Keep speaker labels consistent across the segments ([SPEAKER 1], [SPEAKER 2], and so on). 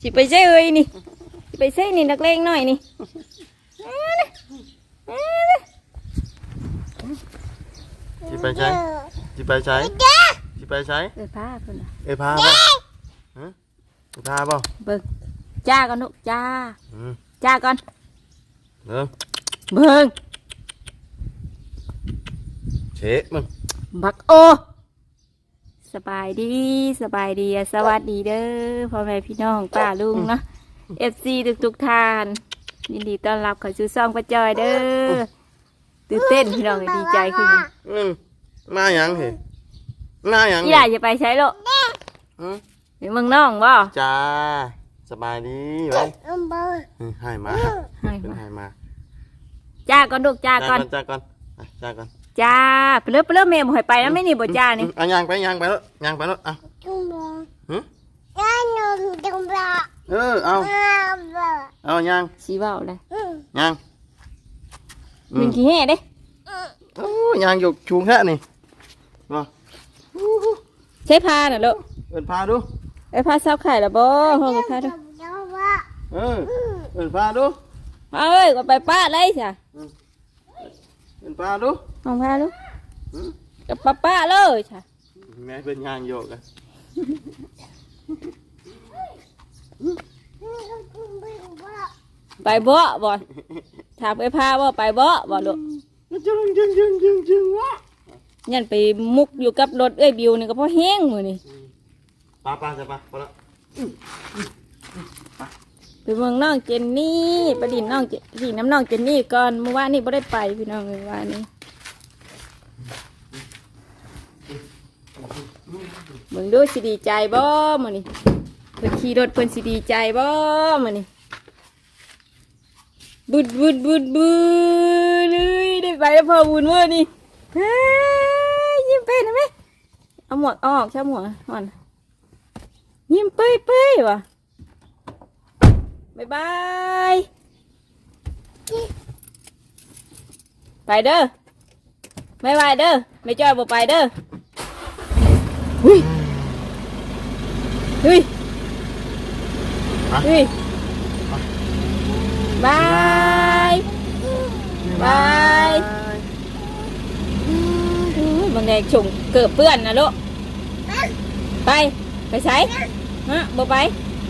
[SPEAKER 1] สิไปใช่เอ้ยนี่สิไปใช่นี่นักเลงหน่อยนี่
[SPEAKER 2] สิไปใช้สิไปใช้สิไปใช้
[SPEAKER 1] พาเพิ่นน่ะ
[SPEAKER 2] พาป่ะฮะพาป่ะ
[SPEAKER 1] เบิ่งจ้าก่อนลูกจ้าจ้าก่อน
[SPEAKER 2] เบิ่งเชะมึง
[SPEAKER 1] บักโอสบายดีสวัสดีเด้อพ่อแม่พี่น้องป้าลุงเนาะ FC ทุกท่านยินดีต้อนรับเข้าสู่ช่องป้าจอยเด้อตื่นเต้นพี่น้องดีใจขึ้น
[SPEAKER 2] มาหยังเหรอมาหยัง
[SPEAKER 1] อีหล่าจะไปใช้ลูกเดี๋ยวมึงน้องบ่
[SPEAKER 2] จ้าสบายดีไว้ให้มา
[SPEAKER 1] จ้าก่อนลูกจ้าก่อน
[SPEAKER 2] จ้าก่อน
[SPEAKER 1] จ้าไปเริ่มเมย์บ่ให้ไปแล้วไม่นี่บ่จ้านี่
[SPEAKER 2] ย่างไปแล้วเอาเอาย่าง
[SPEAKER 1] สีเบาเลย
[SPEAKER 2] ย่าง
[SPEAKER 1] มันขี้แห่เด้
[SPEAKER 2] ย่างอยู่ชูงแค่นี่
[SPEAKER 1] ใช้พาน่ะลูก
[SPEAKER 2] พาดู
[SPEAKER 1] พาเศร้าไข่ละบ่ห้องพาดู
[SPEAKER 2] พาดู
[SPEAKER 1] เอ้ยก็ไปป้าเลยจ้ะ
[SPEAKER 2] พาดู
[SPEAKER 1] ห้องพาดูกับป้าเลยจ้ะ
[SPEAKER 2] แม่เป็นย่างโยกกัน
[SPEAKER 1] ไปบ่ถามไปพาบ่ไปบ่ลูก
[SPEAKER 2] จึงวะ
[SPEAKER 1] ยันไปมุกอยู่กับรถบิวนี่ก็เพราะแห้งมือนี่
[SPEAKER 2] ป้าจะพอแล้ว
[SPEAKER 1] ไปเมืองน้องเจนนี่ไปดินน้องดินน้ำน้องเจนนี่ก่อนเมื่อวานนี่ไม่ได้ไปพี่น้องเมื่อวานนี้มึงดูสิดีใจบ่มือนี่เพิ่นขี่รถเพิ่นสิดีใจบ่มือนี่บุดเลยได้ไปแล้วพอบุญเมื่อนี่ยิ้มไปนะแม่เอาหมวกออกใช่หมวกอ่อนยิ้มเป้ยว่ะบายไปเด้อไม่ไปเด้อไม่จอยบ่ไปเด้อเฮ้ยบายบางแดงฉุงเกือบเปื้อนนะลูกไปใส่ฮะบ่ไป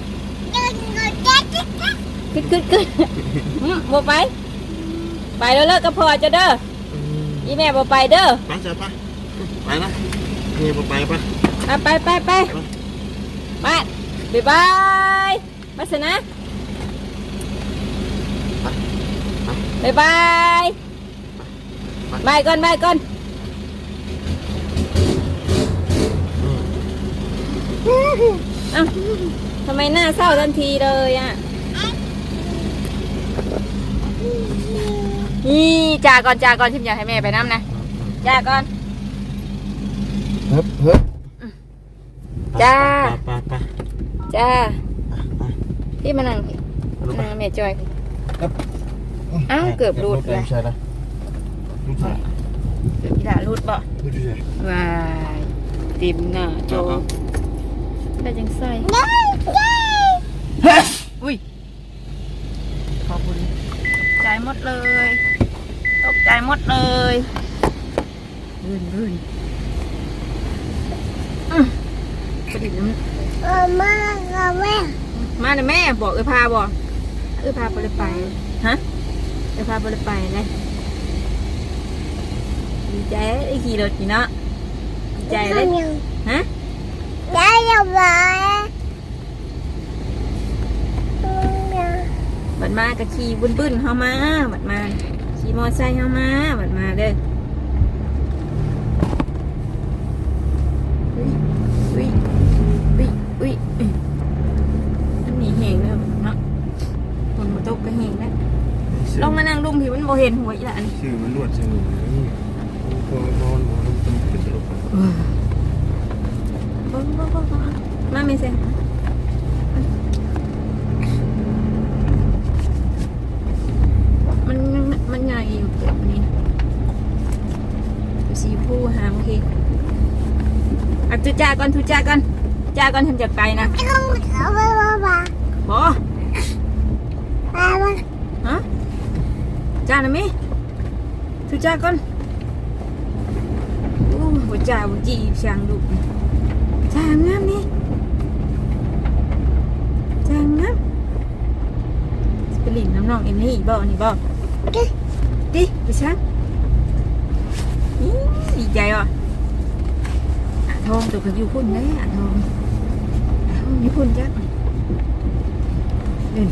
[SPEAKER 1] ขึ้นบ่ไปแล้วเลิกก็พอจะเด้ออีแม่บ่ไปเด้อ
[SPEAKER 2] ไปจ้ะไปนะนี่บ่ไป
[SPEAKER 1] ไปบายมาสินะบายก่อนอ้าวทำไมหน้าเศร้าทันทีเลยอ่ะนี่จ่าก่อนชิมอยากให้แม่ไปน้ำนะจ่าก่อนจ้าที่มานั่งแม่จอยอ้าวเกือบรูดเลยกีฬารูดบ่ว้ายติมหน้าโจได้จังใส่อุ้ยขอบคุณใจหมดเลยตกใจหมดเลยรื่นกระดิ่งมาแม่บอกพาบอกพาไปเลยไปฮะพาไปเลยไปเลยดีใจไอ้ขี่รถกี่เนาะดีใจเลยฮะได้ยังไงบัดมากะขี่บึ้นเข้ามาบัดมาขี่มอไซค์เข้ามาบัดมาเด้ออุ้ยอันนี้แหงเลยเนาะคนมาตกก็แหงแล้วลงมานั่งดุมผิวมันโมเห็นหัวอีหล่ะนี่
[SPEAKER 2] ชื่อมันนวดชื่อพอมันเป็นตลก
[SPEAKER 1] มาไม่เซ็งมันใหญ่อยู่เกือบนี้สีผู้หามโอเคทุจ้าก่อนทำจากไกลนะบอจ้านะมิทุจ้าก่อนอู้หัวจ่าหัวจีช่างลูกช่างงามนี่ช่างงามไปหลินน้ำน้องเอ็มนี่บ่นี่บ่ดิไปช่างดีใจว่ะทองตัวเขาอยู่พุ่นเลยทองอยู่พุ่นจ้ะเดิน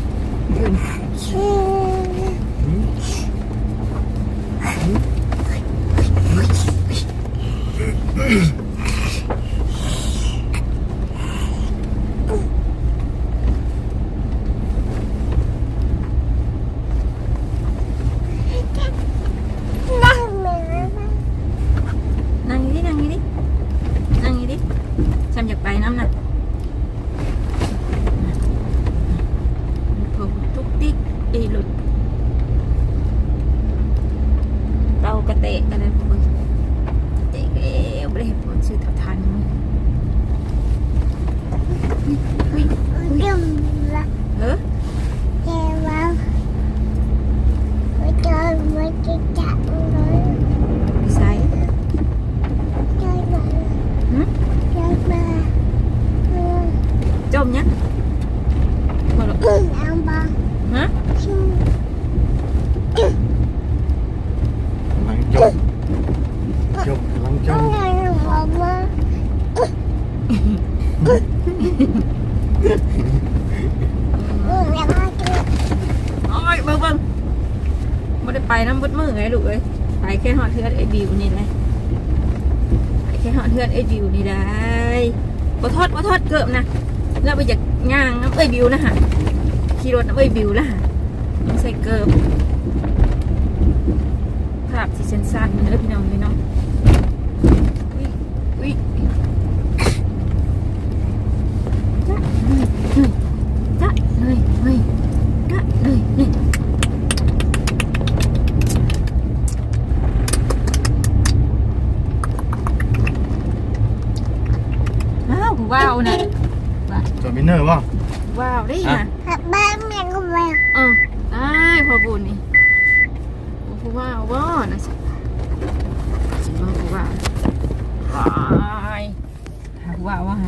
[SPEAKER 1] นั่งอยู่ดิฉันอยากไปน้ำน่ะผมทุกติ๊กอีหลุดเรากระเตะกันเลยพวกเตะเอ๋ไม่ได้เห็นผลซื้อทับทันเออใส่จมเนี่ยมาหรอฮะ
[SPEAKER 2] กำลังจบกำลังจบ
[SPEAKER 1] โอ้ยเบิ่งไม่ได้ไปน้ำบดมือไงลูกเอ้ยไปแค่หอดเทือนไอ้บิวนี่เลยไปแค่หอดเทือนไอ้บิวนี่ได้บ่ทอดเกิบนะแล้วไปจากย่างน้ำเอ้ยบิวนะฮะขี่รถน้ำเอ้ยบิวละฮะยังใส่เกิบภาพสีสั้นๆเนื้อพี่น้องพี่น้องอุ้ยจ้ะเลยอ้าวว้าวนะ
[SPEAKER 2] จอมินเนอร์ป่ะ
[SPEAKER 1] ว้าวได้นะได้พอบุญนี่ผู้ว้าวว่านะฉันว่าผู้ว้าวหักว้าวว่า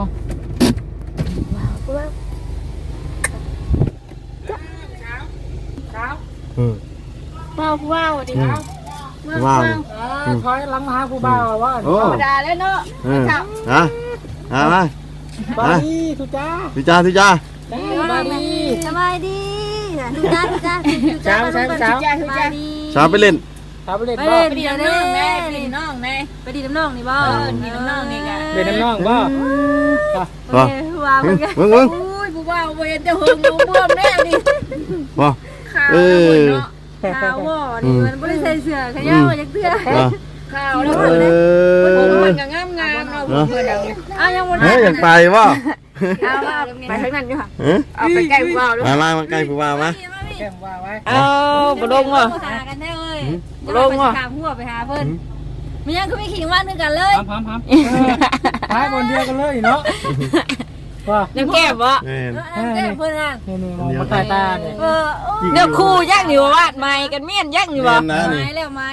[SPEAKER 1] ว้าวดิครับ
[SPEAKER 2] ว้าว
[SPEAKER 3] ถอยหลังมาหาผู้บ่าวว่า
[SPEAKER 2] โอ้
[SPEAKER 1] ธรรมดาแล้วเนาะ
[SPEAKER 2] ฮะมา
[SPEAKER 3] บายดีทุจ้า
[SPEAKER 2] ทุจ้า
[SPEAKER 3] บายดี
[SPEAKER 1] สบายดีทุจ้า
[SPEAKER 3] เช้า
[SPEAKER 1] สบายดี
[SPEAKER 2] ชาไปเล่น
[SPEAKER 3] เช้าไปเล่น
[SPEAKER 1] ไป
[SPEAKER 3] บ่
[SPEAKER 1] ดีน้ำน้องแม่ไปดีน้องแม่ไปดีน้ำน้องนี่บ่ดีน้ำน้องนี่กัน
[SPEAKER 3] เล่นน้ำน้องบ่
[SPEAKER 1] โอเคว้าวเป็นไง
[SPEAKER 2] มึง
[SPEAKER 1] อุ้ยผู้บ่าวเห็นจะหึงดูบวมแน่นี่
[SPEAKER 2] ป่ะ
[SPEAKER 1] ขาวเนาะขาวว่อนี่มันไม่ได้ใส่เสื้อขย้าวจากเสื้อขาวแล้วมันก็งามเอาเพื่อนเอายังวัน
[SPEAKER 2] เฮ้ยอยากไปป่ะ
[SPEAKER 1] เอาไปข้างนั้นอยู่ค่ะเอาไปใกล้ผู้บ่าวด้วย
[SPEAKER 2] มาใกล้ผู้บ่าวมา
[SPEAKER 3] แก้มว่าไว้
[SPEAKER 1] เอาบลงเหรอหากันได้เลยบลงเหรอถามหัวไปหาเพื่อนมันยังคือไม่ขิงว่านึกกันเลย
[SPEAKER 3] พร้อมท้ายบนเดียวกันเลยเนาะว่า
[SPEAKER 1] เนื้อแก้มวะ
[SPEAKER 2] เน่น
[SPEAKER 1] แก้มเพื่อนอ่ะ
[SPEAKER 3] นี่มองมาตายตาเนี่ย
[SPEAKER 1] เนื้อคู่ย่างอยู่วาดไม้กันเมี่ยนย่างอยู่วะไม้แล้ว
[SPEAKER 2] มา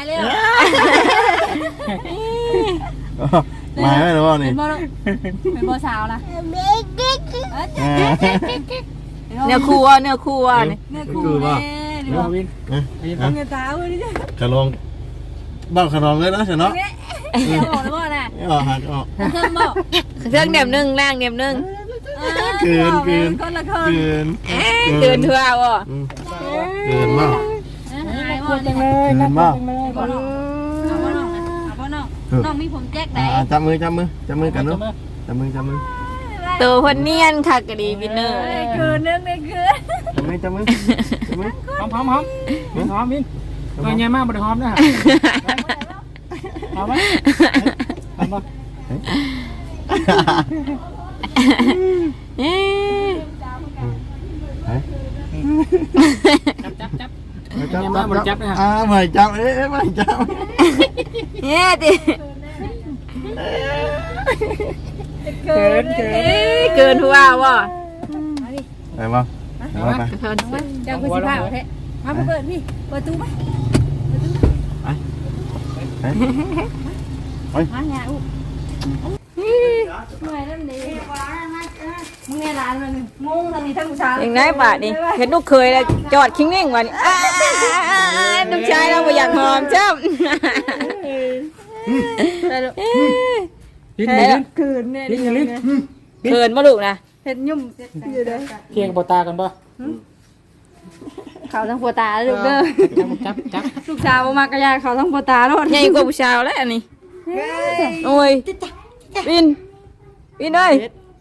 [SPEAKER 2] ไม่รู้นี่
[SPEAKER 1] เป็นโบสาวนะเนื้อคู่อ่ะเนื้อคู่อ่ะเนื้อคู่ป่ะ
[SPEAKER 3] วิน
[SPEAKER 1] เนื้อตาเลยดิ
[SPEAKER 2] ขนมบ้าขนมเลยนะฉันเนาะ
[SPEAKER 1] บอกแล้วว่าน่ะ
[SPEAKER 2] ออกหักออก
[SPEAKER 1] เครื่องบอกเครื่องเดี่ยมหนึ่งล่างเดี่ยมหนึ่ง
[SPEAKER 2] เกิน
[SPEAKER 1] เกินทั่ววะ
[SPEAKER 2] เกินมาก
[SPEAKER 3] ควรจังเลยน่าจังเลย
[SPEAKER 1] เอาพ่อน้องน้องมีผมแจ๊กไหน
[SPEAKER 2] จับมือกันลูกจับมือ
[SPEAKER 1] ตัวคนเนียนค่ะกะดีวินเนอร์คืนนึงในคืน
[SPEAKER 2] จับมือ
[SPEAKER 3] หอมวินเงยมากบนหอมนะหอมไหมหอมป่ะ จับไม่จับไม่จับ
[SPEAKER 1] เนี่ยดิเกินทั่ววะ
[SPEAKER 2] ไปบ้างไป
[SPEAKER 1] เจ้าคุณสิบ้าแท้มาเปิดพี่เปิดตู้ไหม
[SPEAKER 2] ไป
[SPEAKER 1] หาหยาอุเมื่อยนั่นดีมึงไงร้านมันงงทางนี้ทั้งผู้ชายอย่างไรบาทนี่เห็นลูกเคยแล้วจอดคิงเน่งวันนี้ลูกชายเราไม่อยากหอมจ้ำ
[SPEAKER 3] ลิ้นลิ้น
[SPEAKER 1] คืนเนี่ย
[SPEAKER 3] ลิ้นลิ้น
[SPEAKER 1] เขินมาลูกนะเห็นยุ่มอยู่เลย
[SPEAKER 3] เคียงปตากันป่ะ
[SPEAKER 1] เขาทั้งปัวตาลูกเด้อ
[SPEAKER 3] จับ
[SPEAKER 1] ลูกสาวมากระยาเขาทั้งปัวตาโลดใหญ่กว่าผู้ชายแล้วอันนี้โอ้ยวินเอ้ย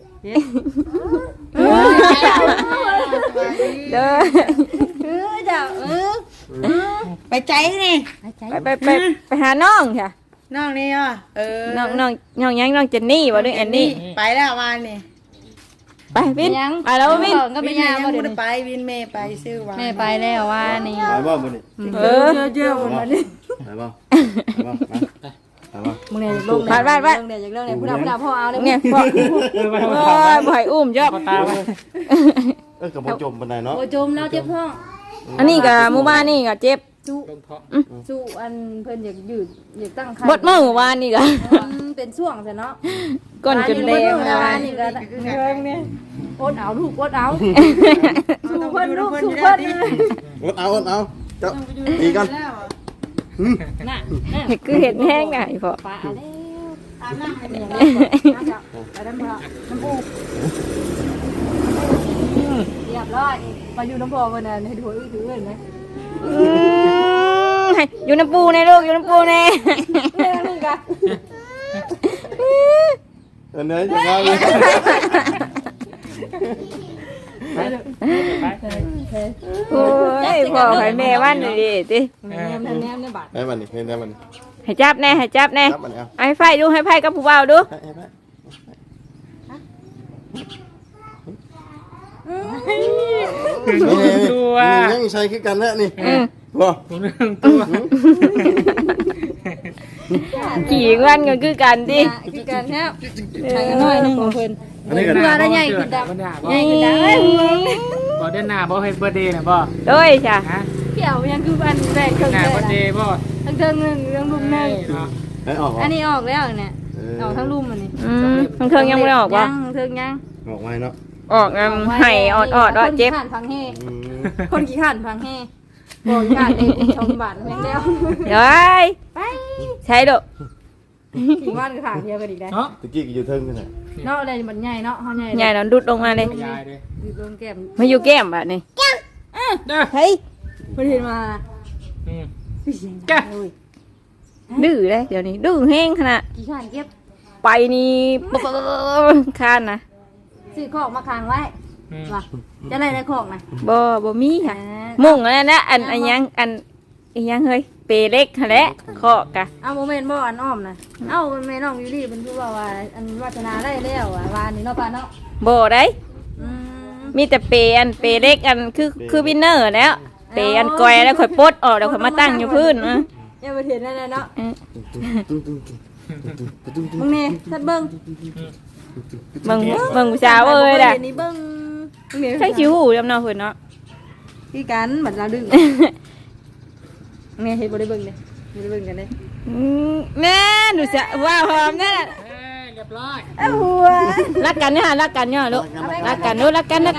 [SPEAKER 1] เด้อเจ้า
[SPEAKER 4] ไปใจนี่
[SPEAKER 1] ไปหาน้องค่ะ
[SPEAKER 4] น้องนี่อ่ะ
[SPEAKER 1] น้องยังน้องเจนนี่บ่ด้วยแอนนี่
[SPEAKER 4] ไปแล้ววันนี่
[SPEAKER 1] ไปวินไปแล้ววินก็ไป
[SPEAKER 4] วิน
[SPEAKER 1] ยา
[SPEAKER 4] ยัง
[SPEAKER 1] บ่
[SPEAKER 4] ไม่
[SPEAKER 1] เดี๋ยว
[SPEAKER 4] ได้ไปวินเมย์ไปซื้อวัน
[SPEAKER 1] แม่ไปแล้วว่านี่
[SPEAKER 2] ไปบ่มื้อนี้
[SPEAKER 4] เยอะๆวันนี้
[SPEAKER 2] ไปบ่ไปบ่
[SPEAKER 4] มึงเนี่ยอยากลง
[SPEAKER 1] ไป
[SPEAKER 4] เนี่ยอยากลงเนี่ยผู้ดำพ่อเอาเลย
[SPEAKER 1] เนี่ยพ่อบ่ให้อุ้มจ้ะ
[SPEAKER 3] ปตาไป
[SPEAKER 2] กับบ่จมปานใดเนาะ
[SPEAKER 4] โอ้จมแล้วเจ็บท้อง
[SPEAKER 1] อันนี้ก็หมู่บ้านนี่ก็เจ็บ
[SPEAKER 4] สู้
[SPEAKER 3] ลงท้อง
[SPEAKER 4] สู้อันเพิ่นอยากยืดอยากตั้งไข่
[SPEAKER 1] บดมื้อวานนี่ก็
[SPEAKER 4] เป็นช่วงใช่เนาะ
[SPEAKER 1] ก้นจนแดง
[SPEAKER 4] แล้ว
[SPEAKER 1] วา
[SPEAKER 4] วัน น
[SPEAKER 1] นี่
[SPEAKER 4] นี่ก็เรื่องเนี่ยอดเอาลูกอดเอาสู้เพิ่นลูกสู้
[SPEAKER 2] อดเอาเจ้าดีกัน
[SPEAKER 4] น่ะ
[SPEAKER 1] เห็ดคือเห็ดแห้งน่ะอีพ่อ
[SPEAKER 4] ปลาแล้วอาบน้ำให้มันอย่างนี้ไปน้ำปูเรียบร้อยไปอยู่น้ำพอวันนั้นให้ดูอื้อถือเงินไหม
[SPEAKER 1] ให้อยู่น้ำปูในลูกอยู่น้ำปูใน
[SPEAKER 4] เรื่องนึงกัน
[SPEAKER 2] อันนี้จะง่ายเลย
[SPEAKER 1] โอ้ยพ่อให้แม่วันนี่ดิติ
[SPEAKER 4] แนมในบัตร
[SPEAKER 2] ให้มันนี่ให้มันนี่
[SPEAKER 1] ให้จับแน่ให้จับแน่
[SPEAKER 2] ครับมันเอา
[SPEAKER 1] ให้ไฟดูให้ไฟกับผู้บ่าวดู
[SPEAKER 2] ยังใช้คือกันแท้นี่บ่
[SPEAKER 3] เรื่องตัว
[SPEAKER 1] ขี่วันกันคือกันดิ
[SPEAKER 4] คือกันเนี่ยใช้น้อยนึงของเพิ่น
[SPEAKER 2] อันนี้ก็
[SPEAKER 4] เพื่อได้ใหญ่ขึ้นดำ
[SPEAKER 3] ใหญ่ขึ้นดบ่เดือนหน้าบ่ให้เบอร์เดย์นะบ่
[SPEAKER 1] โดยจ้ะ
[SPEAKER 3] ฮะ
[SPEAKER 4] เกี่ยวยังคืออันแรกเครื่อง
[SPEAKER 3] หน้า
[SPEAKER 4] แร
[SPEAKER 3] เบอร์เด
[SPEAKER 4] ก
[SPEAKER 3] ย์บ่
[SPEAKER 4] ทั้งเทิงนึงเรื่องลุ่มนึง
[SPEAKER 2] ให้ออก
[SPEAKER 4] อันนี้ออกแล้วเนี่ยออกทั้งลุ่มอันนี้
[SPEAKER 1] มันเครื่องยังไม่ได้ออกบ่
[SPEAKER 4] ยังเทิงยัง
[SPEAKER 2] ออกไว้เนาะ
[SPEAKER 1] ออกไห้ออดว่าเจ็บ
[SPEAKER 4] คนขี้ขันพังเฮคนขี้ขันพังเฮบอกขี้ขันเองชมบาทแม่งแล้ว
[SPEAKER 1] เดี๋ยวไปใช้ดู
[SPEAKER 4] ขี้ว่านก็ถางเดียวกันอีกได้
[SPEAKER 3] เนาะ
[SPEAKER 2] ตะกี้ก็อยู่เทิงกันน่ะ
[SPEAKER 4] เนาะอะไรมันใหญ่เนาะเขาใหญ่
[SPEAKER 1] ใหญ่เราดุดลงมาเลย
[SPEAKER 3] ยายเด้
[SPEAKER 4] อยู่ตรงแก้ม
[SPEAKER 1] มาอยู่แก้มแบบนี้
[SPEAKER 3] เด้อ
[SPEAKER 1] เฮ้ย
[SPEAKER 4] เพิ่นเห็นมา
[SPEAKER 3] อืม
[SPEAKER 4] แก
[SPEAKER 1] ดื้อเลยเดี๋ยวนี้ดื้อแห้งขนาด
[SPEAKER 4] ขี้ขันเก็บ
[SPEAKER 1] ไปนี่ปุ๊บคานนะ
[SPEAKER 4] ซื้อของมาค้างไว้ว่ะจะได้ในของนะ
[SPEAKER 1] บ่มีค่ะมุ่งอันนั้นนะอันยังเฮ้ยเปเล็กหั่นแหละเคาะกะ
[SPEAKER 4] เอาโมเมนต์บ่อันอ้อมนะเอ้าแม่น้องยูรี่เป็นผู้ว่าอันวัฒนาได้แล้วอ่ะวานนี้เนาะป้าเนาะ
[SPEAKER 1] บ่ได้
[SPEAKER 4] อืม
[SPEAKER 1] มีแต่เปเล็กอันคือวินเนอร์แล้วเปอันกอยแล้วค่อยปลดออกแล้วค่อยมาตั้งอยู่พื้นนะ
[SPEAKER 4] ยังบ่เห็นนั่นน่ะเนาะ
[SPEAKER 2] ตุ้งตุ้ง
[SPEAKER 4] มึงนี่ทัดเบิ่ง
[SPEAKER 1] มึงสาวเอ้ยล่ะ
[SPEAKER 4] นี่เบิ่งมึงนี่
[SPEAKER 1] ใช่ชิวหูจำเนาะเพิ่นเนาะ
[SPEAKER 4] คือกันบัดเราดึงแม่เฮ็ดบ่ได้เบิ่งเด้บ่ได้เบิ่งกันเด้
[SPEAKER 1] แม่หนูจะว่าหอมนั่น
[SPEAKER 3] เรียบร้อย
[SPEAKER 4] อ้าวหัว
[SPEAKER 1] รักกันเนี่ยรักกันเนี่ยลูกรักกันลูกรักกัน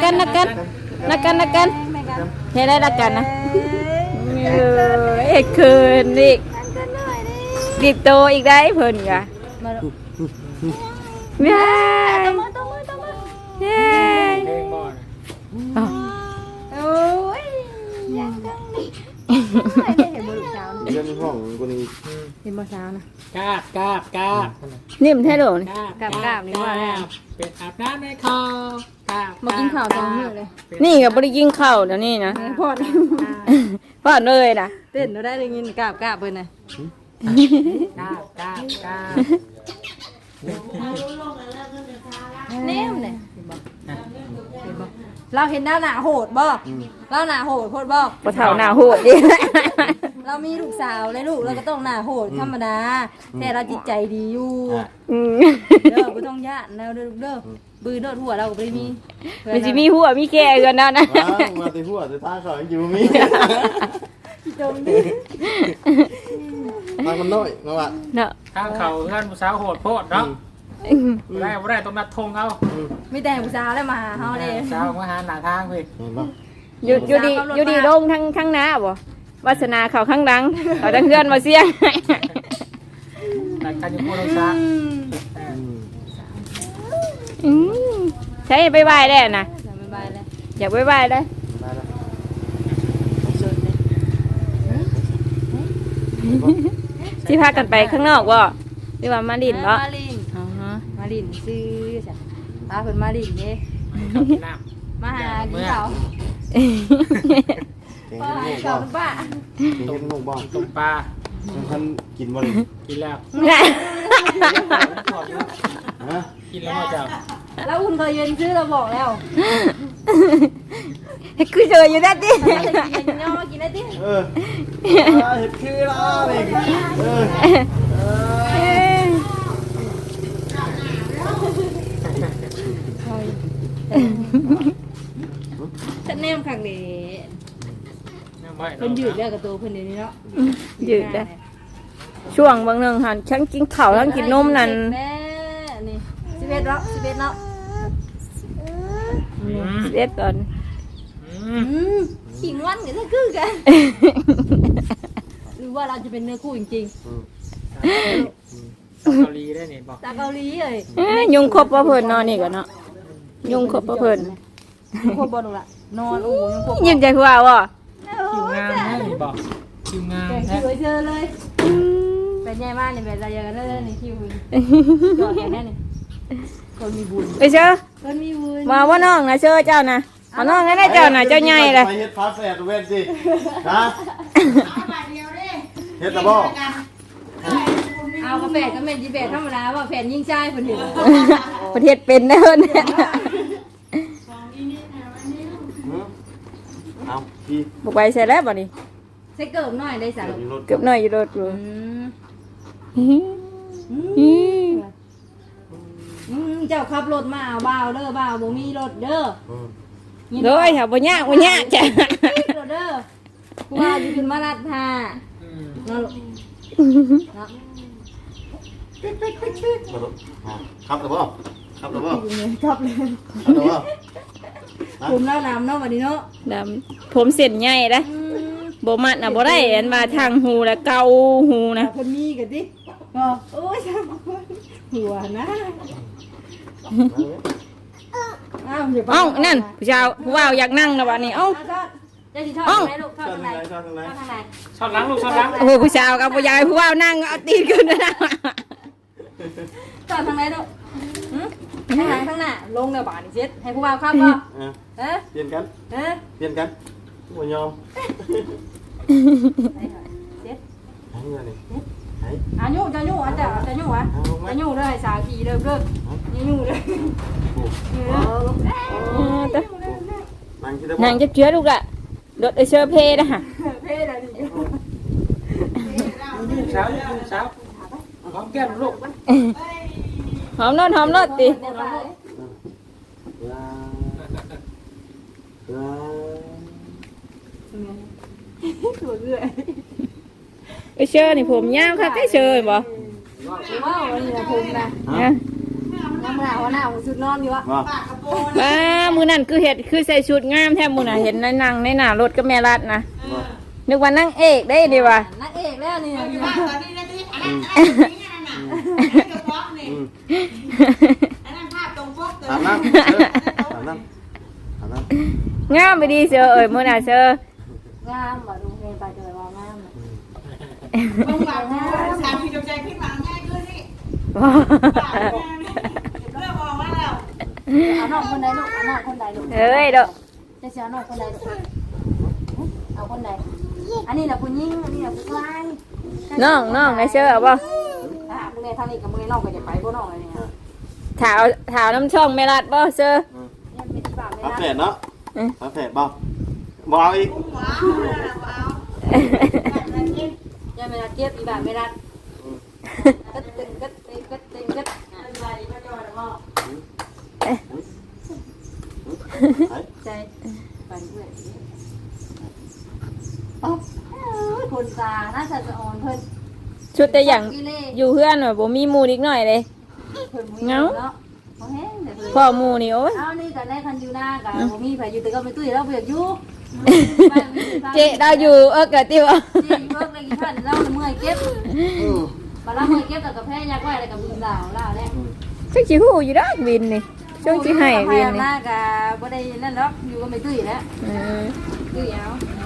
[SPEAKER 1] เฮ้ยได้รักกันนะเอ้คืนอีกดิบโตอีกได้เพิ่นกะ
[SPEAKER 4] มาลูก
[SPEAKER 1] แม่
[SPEAKER 4] ตบมือ
[SPEAKER 1] เย้
[SPEAKER 3] เพลงบ่นะ
[SPEAKER 4] โอ้ยยังจังนี่ได้เห็นบ่ลูกสาวนะ
[SPEAKER 2] เรื่องห้องคนนี้
[SPEAKER 4] เห็นบ่สาวนะ
[SPEAKER 3] กาบ
[SPEAKER 1] นิ่มแท้โดน
[SPEAKER 3] เป็นอาบน้ำในคอกาบ
[SPEAKER 4] มากินข้าว2มื้อเลย
[SPEAKER 1] นี่ก็บ่ได้กินข้าวเดี๋ยวนี้นะ
[SPEAKER 4] พอด
[SPEAKER 1] พอดเลยนะ
[SPEAKER 4] เต้นเราได้ยินกราบเพิ่นน่ะ
[SPEAKER 3] กาบ
[SPEAKER 4] แนมเนี่ยเราเห็นหน้าโหดบ่เราหน้าโหดโคตรบ่
[SPEAKER 1] บ่เท่าหน้าโหดดิ
[SPEAKER 4] เรามีลูกสาวเลยลูกเราก็ต้องหน้าโหดธรรมดาแต่เราจิตใจดีอยู่
[SPEAKER 1] อืม
[SPEAKER 4] เด้อบ่ต้องย่านแล้วเด้อลูกเด้อบือโดดหัวเราก็บ่ได้มี
[SPEAKER 1] มันสิมีหัวมีแก่กันเนาะนะ
[SPEAKER 2] ว้าวมาตีหัวตีตาเขาอยู่มี
[SPEAKER 4] จมดิ
[SPEAKER 2] ตามันน้อยมาว่า
[SPEAKER 1] เนาะ
[SPEAKER 3] ทางเขาท่านผู้สาวโหดโพดเนาะบ่ได้ต้องนัดธงเอา
[SPEAKER 4] มีแต่ผู้สาวแล้วมาหาเฮาเด้
[SPEAKER 3] สาวมาหาหน้าทางพี่
[SPEAKER 2] เห็นป่ะ
[SPEAKER 1] อยู่ดีลงทั้งหน้าบ่วาสนาเขาข้างหลังเขาทั้งเพื่อนมาเสียง
[SPEAKER 3] แต่การจะพูดเราซะ
[SPEAKER 1] ใช้ไปไหว้ได้นะ
[SPEAKER 4] สบายเลย
[SPEAKER 1] อยากไปไหว้ได้
[SPEAKER 2] ได้แล้ว
[SPEAKER 1] ที่พากันไปข้างนอกบ่หรือว่ามาดินบ่
[SPEAKER 4] มาลิน
[SPEAKER 1] อ๋อฮะ
[SPEAKER 4] มาลินซื้อจ้ะพาเพิ่นมาลินเด้
[SPEAKER 3] เขากินน้ำ
[SPEAKER 4] มาหากินข้าว
[SPEAKER 2] เก่ง
[SPEAKER 4] ป้า
[SPEAKER 2] ขึ้น
[SPEAKER 4] ข้าว
[SPEAKER 2] ลูก
[SPEAKER 4] ป้า
[SPEAKER 2] เก่งขึ้นลูกบ้าง
[SPEAKER 3] ต้มปลา
[SPEAKER 2] ท่านกินบ่เลย
[SPEAKER 3] กินแล้ว
[SPEAKER 2] ฮะ
[SPEAKER 3] กินแล้วมาจาก
[SPEAKER 4] แล้วคุณเคยยืนซื้อเราบอกแล้ว
[SPEAKER 1] คือเจออยู่ได้ดิ
[SPEAKER 4] จะกินย่อกินได้ดิ
[SPEAKER 2] เห็ดคือละนี่
[SPEAKER 4] ฉันแนมขังเด้
[SPEAKER 3] น้ำไว้
[SPEAKER 4] เพิ่นยืดแล้วกับตัวเพิ่นเดี๋ยวนี้เนาะ
[SPEAKER 1] ยืดได้ช่วงบางหนึ่งหันฉันกินข้าวทั้งกินนมนั่น
[SPEAKER 4] แม่นี่11เนาะ11เนาะ
[SPEAKER 1] เด็ดก่อน
[SPEAKER 4] ขิงวันกันจะคือกันหรือว่าเราจะเป็นเนื้อคู่จริง
[SPEAKER 3] เกาหลีได้เนี่ยบอก
[SPEAKER 4] ๆจากเกาหลีเลย
[SPEAKER 1] ยุงครบว่าเพิ่นนอนนี่ก่อนเนาะยุงครบว่าเพิ่น
[SPEAKER 4] โคตรบอลละนอนโอ้ยยังโคตร
[SPEAKER 1] ยิ้มใจคือว่าบ่
[SPEAKER 3] คิวงามนะนี่บอกคิวงาม
[SPEAKER 4] แก
[SPEAKER 3] นะ
[SPEAKER 4] คิวเจอเลยเป็นไงบ้างนี่เป็นอะไรกันเลยนี่คิวจอดแค่นี้นี่คนมีบุญ
[SPEAKER 1] ไปเชื่อ
[SPEAKER 4] คนมีบุญ
[SPEAKER 1] มาว่าน้องนะเชื่อเจ้านะเอาน้องให้ได้เจ้านะเจ้าใหญ่เลย
[SPEAKER 2] ไปเฮ็ดฟ้าแฝดเว้นสินะเฮ็ดตะบ่
[SPEAKER 4] เอากาแฟก็เป็นจีเบตธรรมดาว่าแผ่นยิ่งใจคนเดียว
[SPEAKER 1] ประเทศเป็นได้เเนี่ย
[SPEAKER 2] เอาพี่
[SPEAKER 1] บอกไปใส่แล้วบ่นี่
[SPEAKER 4] ใช้เกิบหน่อยได้สาร
[SPEAKER 2] มีรถ
[SPEAKER 1] เกือบหน่อยอยู่รถอยู่
[SPEAKER 4] เจ้าขับรถมาเอาบ่าวเด้อบ่าวบ่มีรถเด้อ
[SPEAKER 1] โดยค่ะบ่ยากบ่ยากจ้ะ
[SPEAKER 4] รถเด้อกูว่าอยู่ขึ้นมาลัดท่าเนาะเนาะ
[SPEAKER 2] ครับตะบ่ครับตะบ่
[SPEAKER 4] ขับเลย
[SPEAKER 2] ครับตะบ่
[SPEAKER 4] คุมแล้วน้ำเนาะวันนี้เนาะ
[SPEAKER 1] ดำผมเส้นใหญ่นะบ่มัดน่ะบ่ได้อันมาทางหูแล้วเกาหูนะ
[SPEAKER 4] คนมีกันดิก็โอ้ยหัวนะอ้าวเดี๋ยว
[SPEAKER 1] เอ้านั่นผู้ชายผู้ว่าวอยากนั่งนะบัดนี้เอ้า
[SPEAKER 4] จะดีทอดไหนลูกทอดทางไหน
[SPEAKER 2] ชอบทางไหน
[SPEAKER 4] ทอดทางไหน
[SPEAKER 3] ชอบล้างลูกชอบล้าง
[SPEAKER 1] โอ้โหผู้ชายกับผู้ยายผู้ว่าวนั่งเอาตีนขึ้นนะ
[SPEAKER 4] ทอดทางไหนลูกทางไหนข้างหน้าลงเดี๋ยวบ่านี่เช็ดให้ผู้บ่าวครับป่ะเอ๊ะ
[SPEAKER 2] เปลี่ยนกัน
[SPEAKER 4] เอ๊ะ
[SPEAKER 2] เปลี่ยนกันบ่ยอม
[SPEAKER 4] เช็ด
[SPEAKER 2] ให้เงินนี่ให้
[SPEAKER 4] อายุจะยุ่อาจจะยุ่วะจะยุ่เลยสาวขี่เริ่มยุ่เลย
[SPEAKER 2] นั่งที่ตะบ่
[SPEAKER 1] นั่งจะเชื้อลูกละรถไอเชอร์เพนะฮะ
[SPEAKER 4] เพ่อะไรนี่
[SPEAKER 3] เช้าเช้าหอมแก้มลูก
[SPEAKER 1] หอมรถติ
[SPEAKER 4] ตัวเรื่อย
[SPEAKER 1] ไอเชอร์นี่ผมยาวค่ะไอเชอร์บ่
[SPEAKER 4] ว้าวนี่นะผมนะ
[SPEAKER 1] นะ
[SPEAKER 4] น้ำหนาวหนาวสุดนอนอยู่วะ
[SPEAKER 2] ว่า
[SPEAKER 1] ว้ามือนั่นคือเห็ดคือใส่ชุดงามแท้มือน่ะเห็นในหนังในหน้ารถกับแม่รัดนะนึกว่านั่งเอกได้ดีว่ะ
[SPEAKER 4] นักเอกแล้วนี่
[SPEAKER 5] ตอนนี้นะที่อันนั้นนี่กระเพาะนี่อันนั้นภาพตรงปกเลย
[SPEAKER 2] ถามนั่งถามนั่งถามนั่ง
[SPEAKER 1] งามไปดีเชอร์เอ้ยมือน่ะเชอร์
[SPEAKER 4] งามบ่ดูเพลงไปเจอว่างาม
[SPEAKER 5] ต้องแบบสามีจงใจขึ้นมาง่ายขึ้นนี่เรื่องมองว่าเรา
[SPEAKER 4] เอาน้องคนใดลูกเอาน้องคนใดลูก
[SPEAKER 1] เอ้ยเด้อ
[SPEAKER 4] จะเสียน้องคนใดลูกเอาคนใดอันนี้แหละผู้หญิงอันนี้แหละผู้ชาย
[SPEAKER 1] น้องไอเชอร์เอาบ่
[SPEAKER 4] มึงในทางนี้กับมึงในน้องก็จะไปบ่น้องอะไรเนี่ย
[SPEAKER 1] ถาวน้ำช่องแม่รัดบ่เชอร์
[SPEAKER 4] ยังเป็นที่บ้านไม่
[SPEAKER 2] ฟ้า
[SPEAKER 4] ได้
[SPEAKER 2] แฝดเนาะฟ้าแฝดบ่บ่เอาอีก
[SPEAKER 5] ว้าวว้าว
[SPEAKER 4] ยังไม่ได้เก็บที่บ้านไม่ได้ก็ตึงก็ตึงก็ตึงก็
[SPEAKER 5] อะไรก็จอดมอ
[SPEAKER 4] ใจไปเรื่อยโอ้คนตาน่าจะอ่อนเพิ่น
[SPEAKER 1] ชุดแต่อย่างอยู่เพื่อนแบบบ่มีหมู่นิดหน่อยเลย เงา พ่อหมู่นี่โอ้ย
[SPEAKER 4] เอานี่กันได้คันอยู่หน้ากันบ่มีไผอยู่แต่ก็ไปตุ้ยเราเบียกอยู่
[SPEAKER 1] เจ๊เราอยู่กะติว
[SPEAKER 4] เจ๊เบิกเลยกี่พันเราเมื่อยเก็บมาเราเมื่อยเก็บแต่กับแพ้ยาก้อยอะไรกับบุญดาวล่าแล้ว
[SPEAKER 1] ช่วงสิฮู้อยู่ดอกวินนี่ช่วงสิให้วิน
[SPEAKER 4] ห
[SPEAKER 1] นี่
[SPEAKER 4] น้ากับบ่ได้นั่นดอกอยู่ก็ไม่ตุ้ยแล้ว
[SPEAKER 1] เออ
[SPEAKER 4] ตุ้ยเอา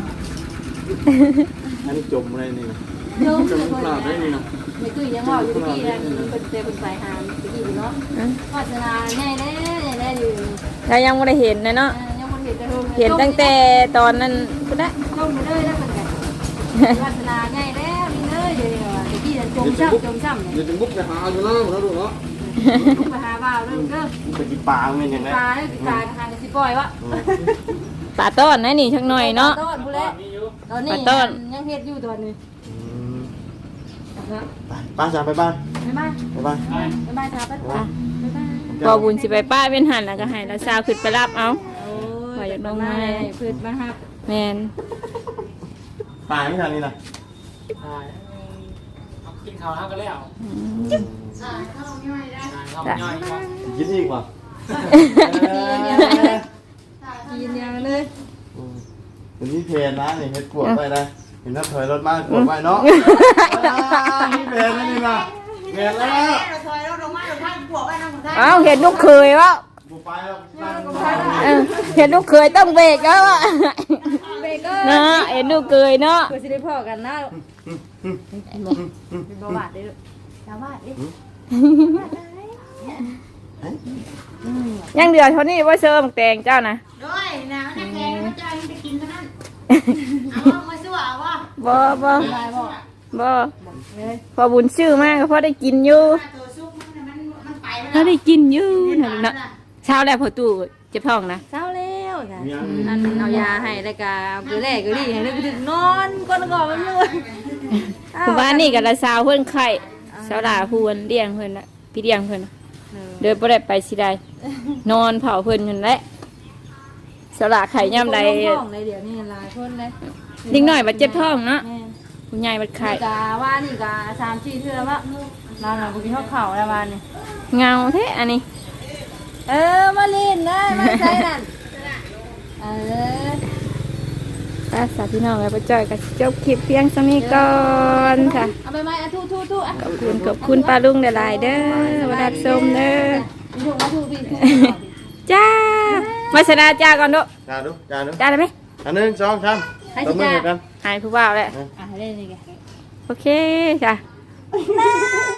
[SPEAKER 2] อันนี้จมอะไรนี่นะ
[SPEAKER 4] โยม
[SPEAKER 2] จมปลาได้นี่นะ
[SPEAKER 4] ไม่ตุ้ยยังว่าอยู่ที่นั่นเป็นเตะเป็นสายหามตะกี้เนาะวาสนาแน่แน่อยู่
[SPEAKER 1] เรายังบ่ได้เห็นนะเนาะ
[SPEAKER 4] ยังบ่เห็นแต่
[SPEAKER 1] เห็นตั้งแต่ตอนนั้นพุ่นน่ะ
[SPEAKER 4] ลงไปเลยแล้วเป็นไงวาสนาใหญ่แล้วนี่เลยเดี๋ยวตะกี้จมช้ำเนี่ย
[SPEAKER 2] เดี๋ยวจะบุกไปหาอยู่แล้วนะลูกเนาะ
[SPEAKER 4] ลุกไปหาบ่าวเริ่มเด้อ
[SPEAKER 2] ไปกินปลาเป็นยังไง
[SPEAKER 4] ตาเนี่ยตาทางสิปล่อยวะ
[SPEAKER 1] ปลาต้อนนะนี่ชักหน่อยเนาะ
[SPEAKER 4] ต้นผู้เล่ตอนนี้ยังเฮ็ดอยู่ตอนนี้
[SPEAKER 2] ป้าจ๋าไปบ้าน
[SPEAKER 4] บ๊ายบาย
[SPEAKER 2] ไปบ้าน
[SPEAKER 4] บ๊ายบายครับบ๊ายบาย
[SPEAKER 1] พอบุญสิไปป้าเป็นหันแล้วก็ให้เราสาวขึ้นไปรับเอา
[SPEAKER 4] โอ้ยลงมาพืชมาครับ
[SPEAKER 1] แมน
[SPEAKER 2] ปลาไม่ทันนี่นะ
[SPEAKER 3] กินข้าวแล้วก็แล้ว
[SPEAKER 5] เข้าไม่ได้
[SPEAKER 3] ข้าวย่อยครับ
[SPEAKER 2] กินอีกป่ะ
[SPEAKER 4] กินอย่างเลย
[SPEAKER 2] วันนี้เพลนนะนี่เฮ็ดกวดไปได้เห็นน้ำถอยรถมากกวดไปเนาะนี่เพลนนี่นะเพลนแล้ว
[SPEAKER 5] เราถอยเราลงมาเราท่านบวกไว้น้องท่าน
[SPEAKER 1] เอ้าเห็นลูกเคยวะ
[SPEAKER 2] บุไปแล้ว
[SPEAKER 1] เห็นลูกเคยต้องเบรกแล้วอะ
[SPEAKER 4] เบเกอร์
[SPEAKER 1] เนาะเห็นลูกเคยเนาะ
[SPEAKER 4] เพื่อสิได้พอกันนะเป็นบ่บาดเด้อชาวบ้านเด้
[SPEAKER 1] ยังเดือดเท่านี้ว่าเชิมแตงเจ้านะ
[SPEAKER 5] ด้วยนะนักแข่งพระเจ้ายังไปกินเท่านั้นเอามาสู้เอาวะ
[SPEAKER 1] บ่บ่
[SPEAKER 4] บายบ่
[SPEAKER 1] บ่พอบุญชื่อมากก็พอได้กินอยู่
[SPEAKER 5] ตัวซุกมันไป
[SPEAKER 1] พอได้กินอยู่นะเนาะเช้าแล้วพอตู้เจ็บท้องนะ
[SPEAKER 4] เช้าแล้วจ้ะอันเอายาให้แล้วก็เอาแรกก็ดีให้นึกถึงนอนก่อนมันเลย
[SPEAKER 1] คือบ้านนี่กับละสาวเพื่อนไข่สาวหลาพูนเลี้ยงเพื่อนละพี่เลี้ยงเพื่อนน่ะเดินบ่ได้ไปสิได้นอนเผาเพื่อนนั่นแหละสาวหลาไข่ย่ำใด
[SPEAKER 4] ท้องเลยเดี๋ยวนี้หลายคนเลย
[SPEAKER 1] ดิ้งหน่อยบัดเจ็บท้องเนาะคุณยายบัดไข่
[SPEAKER 4] กาว่านี่กา3-4เทื่อแล้วนอนหลับกินข้าวเข่าแล้ววันนี้
[SPEAKER 1] เงาแท้อันนี้
[SPEAKER 4] มาลินได้มาใส่นั่น
[SPEAKER 1] ป้าสาวพี่น้องแล้วป้าจ้อยก็จบคลิปเพียงสมีก่อนค่ะ
[SPEAKER 4] เอาไปไหมทูอ่ะ
[SPEAKER 1] ขอบคุณป้าลุงหลายๆเด้อมาดับชมเด้อ
[SPEAKER 4] ถูกมาถูกพี่
[SPEAKER 1] จ้ามาชนะจ้าก่อนดู
[SPEAKER 2] จ้าดูจ้าดู
[SPEAKER 1] จ้าได้ไหม
[SPEAKER 2] อันหนึ่งสองสามตบมือกัน
[SPEAKER 1] หายผู้บ่าวแล้ว
[SPEAKER 4] อ่ะเล่นนี่ไง
[SPEAKER 1] โอเคจ้ะ